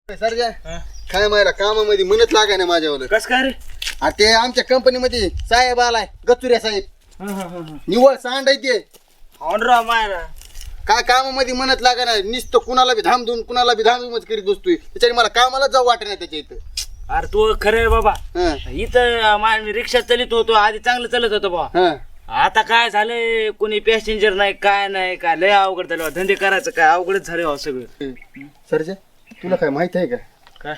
सरजा काय मायला कामामध्ये म्हणत लागाय ना माझ्यावर. कस काय रे? ते आमच्या कंपनीमध्ये साहेब आलाय, गचुऱ्या साहेब निवळ सांड आहे ते. ऑनरा मायरा काय कामामध्ये म्हणत लागा ना, नुसतं कुणाला बी धामधूम कुणाला बी धामधूमच करीत बसतोय. त्याच्याने मला कामाला जाऊ वाटत नाही त्याच्या इथं. अरे तू खरं आहे बाबा. हं, इथं मी रिक्षा चालित होतो आधी, चांगलं चालत होतं बाबा. हं. आता काय झालंय, कोणी पॅसेंजर नाही काय नाही, काय लय अवघड झालं. धंदे करायचं काय अवघडच झालं सगळं. सरजा तुला काय माहित आहे का, काय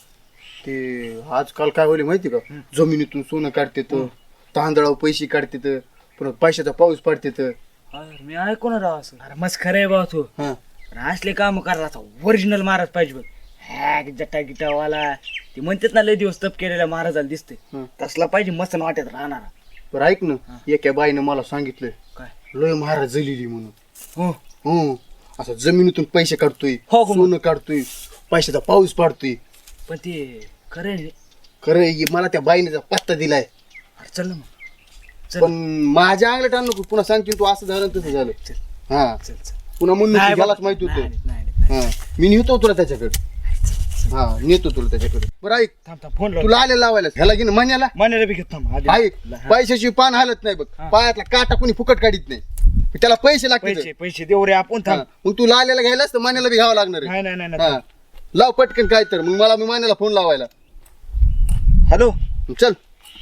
ते आजकाल काय होईल माहिती का, जमिनीतून सोनं काढतेत, तांदळावर पैसे काढतेत, परत पैशाचा पाऊस पडतेत. अरे मी ऐकून राव असं. अरे मस्त खरं आहे बाबा तू. हं. पण असले काम करायला ओरिजिनल महाराज पाहिजे बघ. हॅक जटा गिटावाला ते म्हणतात ना, लय दिवस तप केलेला महाराजाला दिसते हं. तसला पाहिजे, मस्त वाटत राहणार. बरं ऐक ना, एका बाईनं मला सांगितलं काय? लय महाराज जलिली म्हणून. हो हो, असं जमिनीतून पैसे काढतोय, हो, हो. सोनं काढतोय, पैशाचा पाऊस पडतोय. पण ते खरं आहे. खरं आहे, मला त्या बाईने पत्ता दिलाय. अरे चल ना मग. चल. पण माझ्या अंगलट आणू नको, पुन्हा सांगतील तू असं झालं तसं झालं. चल हा, चल चल. पुन्हा म्हणून नाही त्यालाच बाबा. माहित होतं. नाही, नाही, नाही. हा, मी नेतो तुला त्याच्याकडे. हा, नेतो तुला त्याच्याकडे. बरं ऐक, थांब थांब फोन तुला आले लावायला ह्याला की महिन्याला मान्याला बी घेत थांब आधी. ऐक, पैशाची पान हालत नाही बघ, हा. पायातला काटा कोणी फुकट काढीत नाही, त्याला पैसे लागतील. पैसे पैसे देऊ रे आपण. थांब. मग तू लाल्याला घ्यायलाच तर महिन्याला बी घ्यावं लागणार आहे. नाही नाही नाही हा, लाव पटकन काय तर, मग मला मी महिन्याला फोन लावायला. हॅलो, चल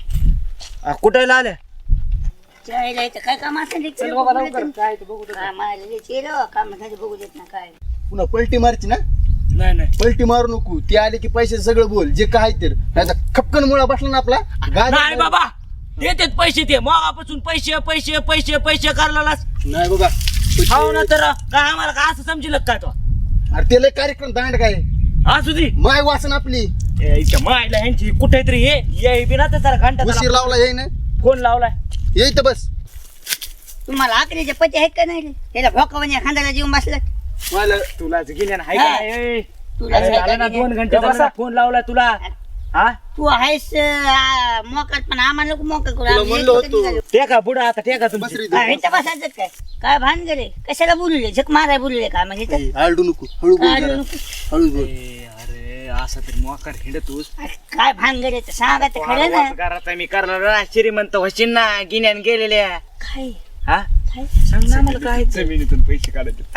कुठे आल्या? जायला इथं काय काम असतं चल बाबा लवकर. काय ते बघू दे. काय मारले चिरो काम साठी बघू देत ना काय. पुन्हा पलटी मारची ना, नाही नाही पलटी मारू नको. ते आले की पैसे सगळं बोल जे काय तर, नाही खपकन मुळा बसला ना आपला नाही बाबा, देतेत पैसे ते मगापासून पैसे पैसे पैसे पैसे करायलाच. नाही बाबा, हो ना, तर काय आम्हाला काय असं समजिल काय तो? अरे ते लय कार्यक्रम दांड काय असू दे. माय वासन आपली. इथं मायला ह्यांची कुठे तरी ये बी ना तर जरा घंटा उशीर लावला येई ना, फोन लावलाय. ये इथं बस. तुम्हाला आकरीचे पती आहेत का नाही रे? त्याला भोकावण्या खांद्याला जीवन बसलं. मला तुला गेल्या ना हा. तुला झालं ना 2 घंटे झालं फोन लावलाय तुला. हा तू आहेस मोकट, पण आम्हाला नको मोकट करू. तुला आम्ही म्हणलं एकटं होतं. निघालो. टेका पुढं आता टेका बस तुमची. रे हा, इथं. इथं बसायचं काय? काय भान गेले? कशाला बोलले? झक माराय बोलले का म्हणजे इथं? ए, आरडू नको, हळू बोल आरडू जरा. नको. हळू बोल. अरे असं तरी मोकार हिंडतोस. अरे, काय भान गेले तर सांगा तर खरं ना. करायचा मी करणार श्रीमंत होशील ना गिन्यान गेलेल्या. काय हा काय सांग ना मला काय जमिनीतून पैसे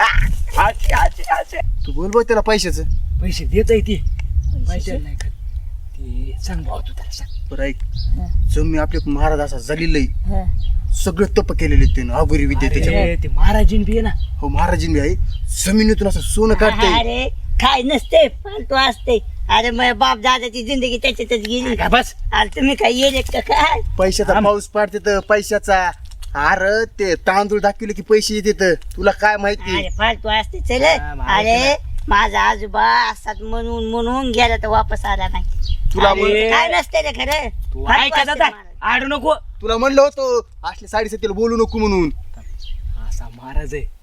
काढायचे. तू बोल बघ त्याला पैशाचं. पैसे देत आहे ती पैसे नाही का ते सांग भाऊ तू त्याला सांग. बरं ऐक, जमी आपले महाराज असा जलिलय, हं. सगळं तप केलेले त्यानं, अगोरी विद्या त्याच्याकडे. अरे, ते महाराजीन बी आहे ना. हो, महाराजींनी आहे, जमिनीतून असं सोनं काढतंय. अरे काय नसते, फालतू असते. अरे मग बाप दादाची जिंदगी त्याच्यातच गेली. काय बस अरे तुम्ही काय येले का काय? पैशाचा पाऊस पडते तर पैशाचा. अरे ते तांदूळ दाखवले की पैसे येते, तुला काय माहिती. अरे फालतू असते चल. हा, माहिती अरे माझा आजोबा असतात म्हणून म्हणून गेला तर वापस आला नाही. तुला अरे, म्हण- काय नसते रे खरं. तू फालतू ऐकायचं असते आता. महाराज. आडू नको. तुला म्हणलं होतं असले साडेसातीला बोलू नको म्हणून. असा महाराज आहे.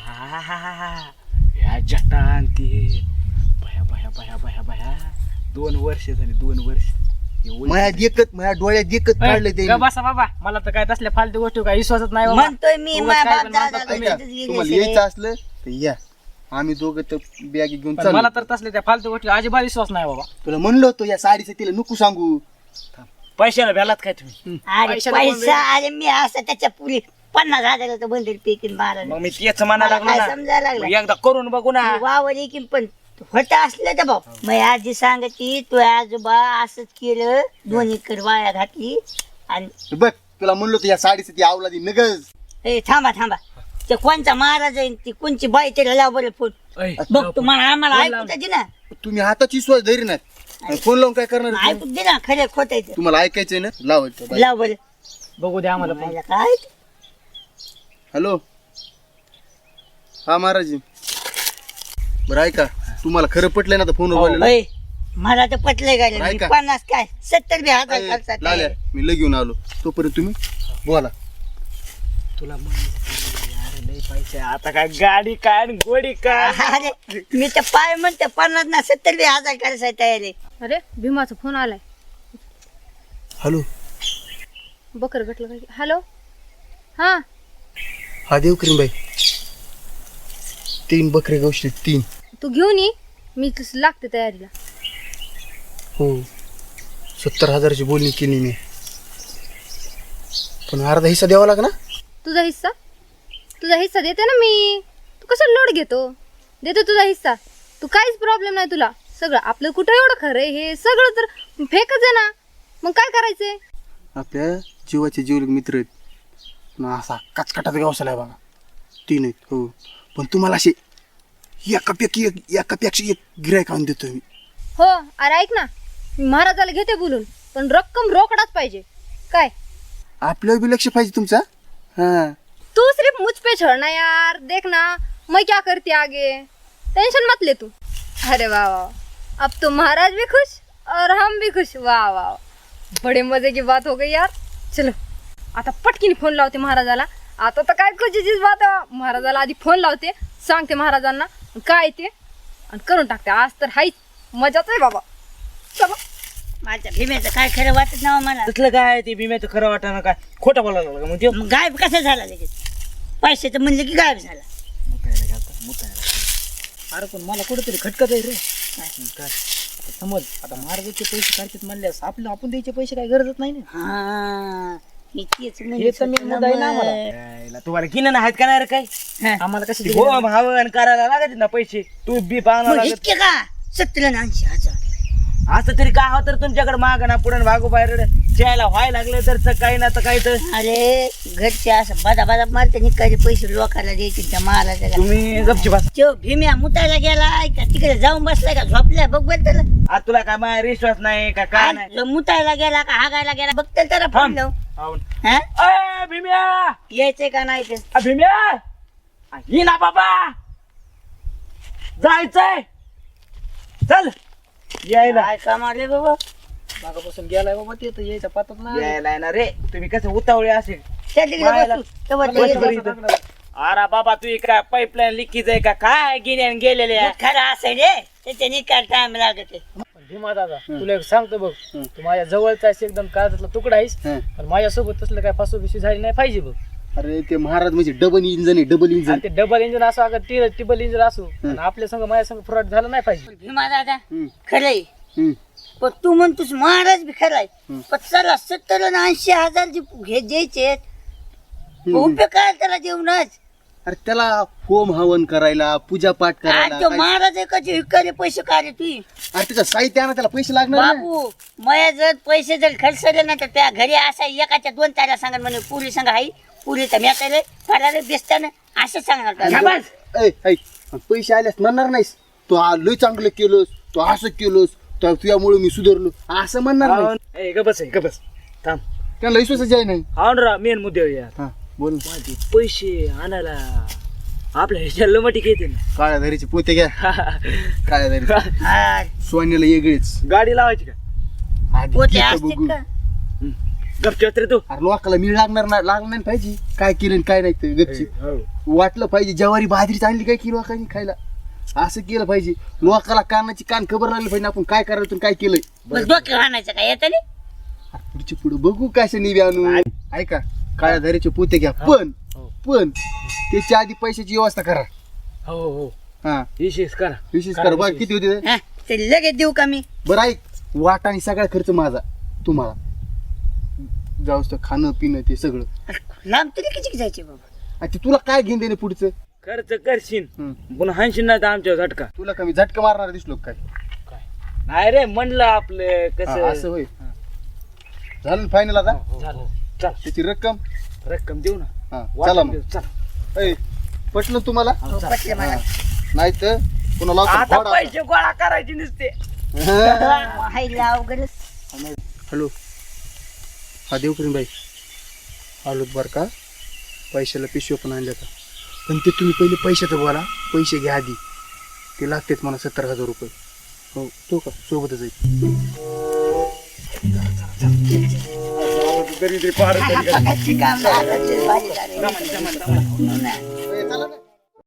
या जटान ते भया भया भया भया भया 2 वर्ष झाली 2 वर्ष. माझ्या डोळ्यात देखत काढले ते. बसा बाबा, मला तर काय तसल्या फालतू गोष्टी काय विश्वासच नाही बाबा. म्हणतोय मी उगाच माझ्या काय बाप पण म्हणतात दादा तुम्ही. त्याच्यातच तुम्हाला गेले यायचं असलं तर या, आम्ही दोघं तर बॅग घेऊन पण चाललो. मला तर तसल्या त्या फालतू गोष्टी अजिबात विश्वास नाही बाबा. तुला म्हणलं होतं या साडेसातीला नको सांगू. पैशाला भ्यालात काय तुम्ही? अरे पैशाला कोण पैसा, अरे मी असं त्याच्या पुढे 50,000 तर बंदर पेकीन मारा. मग मी तेच म्हणायला मला काय लागलो समजायला ना. लागलं? मग एकदा करून बघू ना. वावर एकीन पण होत असलं तर भाऊ मग आजी सांगती तू आजोबा असंच केलं, 2 एकर वाया घातली. आणि बघ, तुला म्हणलं होतं या साडेसाती आवलादी नगज. ए थांबा थांबा, ते कोणचा महाराज आहे ती कोणची बाई त्याला लाव बरं फोन. ऐ, बघ तुम्हाला आम्हाला फोन ऐकू लाव. दे ना, तुम्ही हाताची विश्वास धरी नाही, फोन लावून काय करणार तुम्ही? ऐकू दे ना, खरं खोट आहे ते. तुम्हाला ऐकायचंय ना, लावायचं. लाव बरं. बघू द्या आम्हाला पण. मला काय हॅलो, हा महाराज. बरं ऐका, तुम्हाला खरं पटलंय ना फोन बोलायला? ओय, मला तर पटलंय बरं, गाडी ऐका. 50 काय 70 बी हजार खर्चात लाल्या, आहे. मी लग घेऊन आलो, तोपर्यंत तुम्ही बोला. तुला अरे लय पैसे आता काय गाडी काय आणि गोडी काय. अरे मी तर पाय म्हणते 50 ना 70 बी हजार करायचा तयार आहे. अरे भीमाचा फोन आलाय. हॅलो, बकर गटलं काय? हॅलो, हा हा देवकरीन बाई, 3 बकरे गोष्टी 3. तू घेऊन ये, मी लागते तयारीला. हो 70,000ची बोलणी केली मी, पण अर्धा हिस्सा द्यावा लाग ना. तुझा हिस्सा देते ना मी. तू कसं लोड घेतो? देतो तुझा हिस्सा. तू काहीच प्रॉब्लेम नाही तुला. सगळं आपलं कुठं एवढं खरं आहे, हे सगळं तर फेकच आहे ना. मग काय करायचंय? आपल्या जीवाचे जीवलग मित्र आहेत, पण असा कचकटात व्यवसाय आहे बघा, तीन आहेत. हो पण तुम्हाला असे एकापेक्षा एक गिरायक आणून देतो मी. हो अरे ऐक ना, मी महाराजाला घेते बोलून, पण रक्कम रोकडाच पाहिजे. काय आपल्यावर बी लक्ष पाहिजे तुमचा. हा तू सिर्फ मुझ पे छोड़ना यार. देख ना मैं क्या करती आगे. टेंशन मत ले तू. अरे वाह वाह, अब तो महाराज भी खुश और हम भी खुश. वाह वाह, बड़े मजे की बात हो गई यार. चलो आता पटकीने फोन लावते महाराजाला. आता तर काय खुशीचीच बात आहे. महाराजाला आधी फोन लावते, सांगते महाराजांना काय ते, आणि करून टाकते. आज तर हाईच मजाच आहे बाबा. चलो. माझ्या भीमेचं काय खरं वाटत ना मला. तसलं काय ते भीम्याचं खरं वाटाणं काय खोटं बोलायला लागला मग त्यो. मग गायब कसा झाला लगेच? पैशाचं म्हणलं की गायब झाला. अरे पण मला कुठेतरी खटकत आहे रे. काय आता समज, आता महाराजाचे पैसे काढतात म्हणल्यास आपण द्यायचे पैसे काय गरजच नाही ना. हा हे तेच हे म्हणत तर मी होते ना मुद्दा आहे ना मग. आम्हाला. तुम्हाला किन आहेत का नाही रे काय? हा. आम्हाला कशी हो भावन करायला लागत ना पैसे. तू बी पाहणार मग लागत. इतके का? 70,80,000. असं तरी काय होतं तुमच्याकडे माग ना पुढे भागू बाहेर जायला व्हायला लागले तर काही ना तर काही तर. अरे घरचे असं बादा बादा मारते निकाले पैसे लोकांना द्यायचे त्या महाराजाला. तुम्ही गपची बस. तो भीम्या मुतायला गेलाय का तिकडे जाऊन बसलाय का झोपलाय बघ बरं त्याला. आज तुला काय माझ्या विश्वास नाही का काय नाही? आज मुतायला गेला का हागायला गेला बघ त्याला फोन थांब. लावून. हाऊन. हा अय, भीम्या यायचंय का नाही ते. भीम्या ये ना बाबा, जायचंय चल. यायला काय कामाले बाबा. मागापासून गेलाय बाबा ते तर यायचा पत्ताच नाही. यायला ना रे, तुम्ही कसं उतावळे असेल. त्या तिकडे मायला- बसू. तेव्हा ते बस येईल बरं बघू. इथं. अरे बाबा तू काय पाईपलाईन लिकीच आहे का काय गेलेले मग खरं असेल रे त्याच्या निकाल टाइम लागत आहे. भीमा दादा तुला एक सांगतो बघ, तू माझ्या जवळचा आहेस, एकदम काळजातला तुकडा आहेस, हं. पण माझ्यासोबत तसलं काय फसवबिशी झाली नाही पाहिजे बघ. अरे ते महाराज म्हणजे डबल इंजन आहे, डबल इंजन. आणि ते डबल इंजिन असो अगर टिबल इंजिन असो, आणि आपल्या संग माझ्या संग फ्रॉड झालं नाही पाहिजे. भीमा दादा हम्म. खरंय, हम्म. पण तू म्हणतोस महाराज बी खराय. हम्म. पण चला 70,80,000 जे हे द्यायचे उपयोग काय त्याला देऊनच. अरे त्याला होम हवन करायला, पूजा पाठ करायला आज तो काय- महाराज एकाचे विकारे पैसे काढे तू अरे त्याचं साहित्य आणा, त्याला पैसे लागणार ना. बाबू. मया जर पैसे जर खर्चले ना तर त्या घरी असा एकाच्या 2 ताऱ्या सांगा म्हणे पुरी सांगा हाई पुरी तर म्याकडे फरारे बेसताना असं सांगणार त्याला. ऐ, ऐक, आणि पैसे आल्यास म्हणणार नाहीस तू लय चांगलं केलंस, तू असं केलंस, तुझ्यामुळे मी सुधारलो असं म्हणणार नाही. हाऊन. ए गबस आहे गबस. थांब. त्यांना विश्वासाची आहे नाही. हाऊन रा मेन मुद्दे यार. हा बोल ना. माझे पैसे आणायला आपल्या ह्याच्या लमटी घेते ना. काळ्या धारीचे पोते घ्या. काळ्या धारी हा, सोन्याला वेगळीच. गाडी लावायची का? आधी पोते घेतो असते बघू. का? गपच्यात रे तू. अरे लोकाला मी लागणार नाही पाहिजे काय केलं आणि काय नाही ते गपची हो. वाटलं पाहिजे. ज्वारी बाजरी चांगली काय की लोकांनी खायला असं केलं पाहिजे. लोकाला कानाची कान खबर लागली पाहिजे आपण काय करायला तुम्ही काय केलंय. बस डोक्यावर आणायचं काय येतं नाही. पुढची पुढे बघू कशा निवी आणू. ऐका काळ्या धारीचे पोते घ्या, पण त्याच्या आधी पैशाची व्यवस्था करा. हो हो हा विशेष करा. विशेष करा. बघ किती होते ते? हा, ते लगेच देऊ का मी. बरं ऐक, वाट आणि सगळा खर्च माझा तुम्हाला. जाऊस तर खाणं पिणं ते सगळं. लांब तरी किती जायचे बाबा. आणि ते तुला काय घेऊन देणे पुढचं. खर्च करशील हम्म. पुन्हा हाणशील नाही तर आमच्या झटका तुला कमी झटका मारणार दिसलो का काय. नाही रे म्हणलं आपलं हा, असं कसं. होय. झालं फायनल आता. झालं. चल त्याची रक्कम रक्कम देऊ ना. हा वाटून चला मग. देऊ, चल. ऐ, पटलं तुम्हाला. हो, पटलं मला. नाही तर पुन्हा लावतो आता फोड आता. पैसे गोळा करायचे नसते. हायला अवघडच. हॅलो हा देवकरीन बाई आलोत बरं का. पैशाला पिशव्या पण आणल्या का, पण ते तुम्ही पहिले पैशाचं बोला. पैसे घ्या आधी, ते लागतात मला 70,000 रुपये. हो तो का सोबतच आहे. काम महाराजचे भारी झाले.